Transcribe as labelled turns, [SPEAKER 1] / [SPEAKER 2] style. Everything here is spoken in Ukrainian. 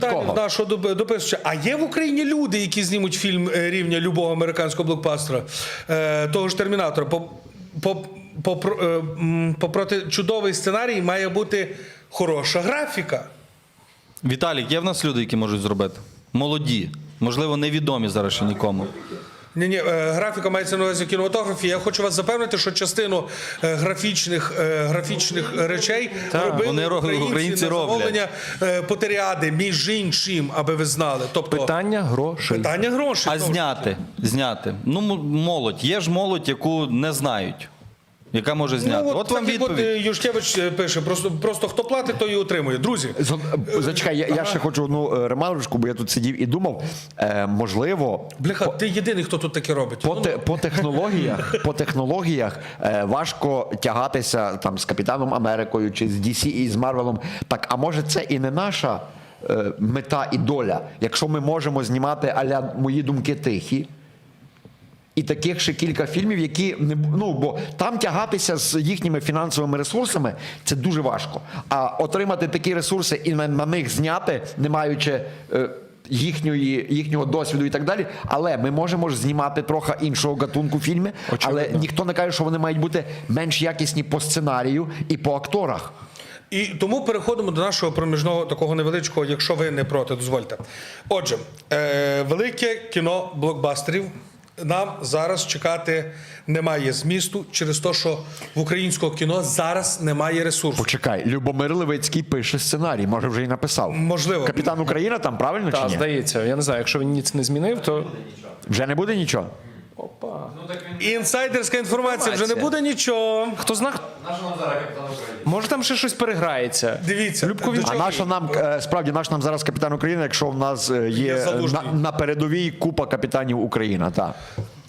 [SPEAKER 1] Нашого дописувача. А є в Україні люди, які знімуть фільм рівня любого американського блокбастера, того ж «Термінатора». Попроти чудовий сценарій має бути хороша графіка.
[SPEAKER 2] Віталік, є в нас люди, які можуть зробити? Молоді. Можливо, невідомі зараз ще нікому.
[SPEAKER 1] Ні, графіка мається на увазі в кінематографі. Я хочу вас запевнити, що частину графічних речей робили українці на замовлення Потеріади, між іншим, аби ви знали. Тобто,
[SPEAKER 3] Питання грошей.
[SPEAKER 1] Питання грошей.
[SPEAKER 2] А зняти. Ну, молодь. Є ж молодь, яку не знають. Яка може зняти.
[SPEAKER 1] Ну,
[SPEAKER 2] от вам
[SPEAKER 1] так,
[SPEAKER 2] відповідь.
[SPEAKER 1] От Юшкевич пише, просто хто платить, той і отримує. Друзі.
[SPEAKER 3] Зачекай, я ще хочу одну ремарочку, бо я тут сидів і думав, можливо...
[SPEAKER 1] Бляха, ти єдиний, хто тут таке робить.
[SPEAKER 3] По технологіях важко тягатися там з Капітаном Америкою чи з DC і з Марвелом. Так, а може це і не наша мета і доля, якщо ми можемо знімати а-ля «Мої думки тихі», і таких ще кілька фільмів, які не бо там тягатися з їхніми фінансовими ресурсами це дуже важко. А отримати такі ресурси і на них зняти, не маючи їхнього досвіду і так далі. Але ми можемо ж знімати трохи іншого гатунку фільми, але ніхто не каже, що вони мають бути менш якісні по сценарію і по акторах.
[SPEAKER 1] І тому переходимо до нашого проміжного такого невеличкого, якщо ви не проти, дозвольте. Отже, велике кіно блокбастерів нам зараз чекати немає змісту через те, що в українського кіно зараз немає ресурсу.
[SPEAKER 3] Почекай, Любомир Левицький пише сценарій, може вже і написав.
[SPEAKER 1] Можливо.
[SPEAKER 3] Капітан Україна там, правильно чи
[SPEAKER 4] Так,
[SPEAKER 3] ні?
[SPEAKER 4] здається. Я не знаю, якщо він ніц не змінив, то...
[SPEAKER 3] Вже не буде нічого?
[SPEAKER 1] Інсайдерська інформація, вже не буде нічого.
[SPEAKER 4] Хто знає? Може там ще щось переграється.
[SPEAKER 1] Дивіться.
[SPEAKER 3] А нащо нам, справді, наш нам зараз Капітан України, якщо в нас є
[SPEAKER 1] Залужний.
[SPEAKER 3] на передовій купа капітанів Україна, так.